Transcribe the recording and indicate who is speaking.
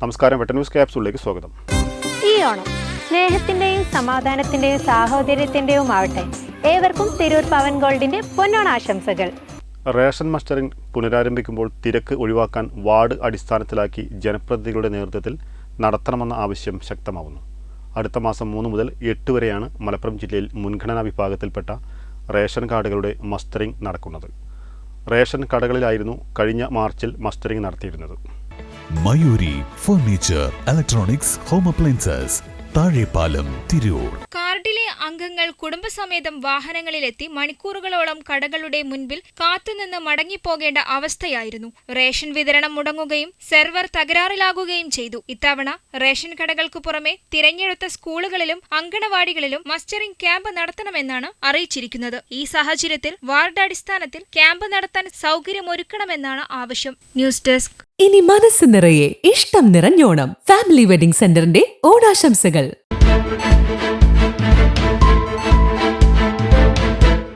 Speaker 1: നമസ്കാരം, വെട്ട ന്യൂസ് ക്യാപ്സൂളിലേക്ക് സ്വാഗതം.
Speaker 2: ഈ ഓണം സ്നേഹത്തിന്റെയും സമാധാനത്തിന്റെയും സാഹോദര്യത്തിന്റെയും ആവട്ടെ. ഏവർക്കും തിരൂർ പവൻ ഗോൾഡിന്റെ പൊന്നോണാശംസകൾ.
Speaker 1: റേഷൻ മസ്റ്ററിംഗ് പുനരാരംഭിക്കുമ്പോൾ തിരക്ക് ഒഴിവാക്കാൻ വാർഡ് അടിസ്ഥാനത്തിലാക്കി ജനപ്രതിനിധികളുടെ നേതൃത്വത്തിൽ നടത്തണമെന്ന ആവശ്യം ശക്തമാവുന്നു. അടുത്ത മാസം 3 മുതൽ 8 വരെയാണ് മലപ്പുറം ജില്ലയിൽ മുൻഗണനാ വിഭാഗത്തിൽപ്പെട്ട റേഷൻ കാർഡുകളുടെ മസ്റ്ററിംഗ് നടക്കുന്നത്. റേഷൻ കടകളിലായിരുന്നു കഴിഞ്ഞ മാർച്ചിൽ മസ്റ്ററിംഗ് നടത്തിയിരുന്നത്.
Speaker 3: Mayuri furniture, electronics, home appliances, Thazhepalam, Tirur.
Speaker 4: കാർഡിലെ അംഗങ്ങൾ കുടുംബസമേതം വാഹനങ്ങളിലെത്തി മണിക്കൂറുകളോളം കടകളുടെ മുൻപിൽ കാത്തുനിന്ന് മടങ്ങിപ്പോകേണ്ട അവസ്ഥയായിരുന്നു. റേഷൻ വിതരണം മുടങ്ങുകയും സെർവർ തകരാറിലാകുകയും ചെയ്തു. ഇത്തവണ റേഷൻ കടകൾക്ക് പുറമെ തിരഞ്ഞെടുത്ത സ്കൂളുകളിലും അങ്കണവാടികളിലും മസ്റ്ററിംഗ് ക്യാമ്പ് നടത്തണമെന്നാണ് അറിയിച്ചിരിക്കുന്നത്. ഈ സാഹചര്യത്തിൽ വാർഡ് അടിസ്ഥാനത്തിൽ ക്യാമ്പ് നടത്താൻ സൗകര്യമൊരുക്കണമെന്നാണ് ആവശ്യം. News desk.
Speaker 5: ഇനി മനസ്സ് നിറയെ ഇഷ്ടം നിറഞ്ഞോണം. ഫാമിലി വെഡിംഗ് സെന്ററിന്റെ ഓണാശംസകൾ.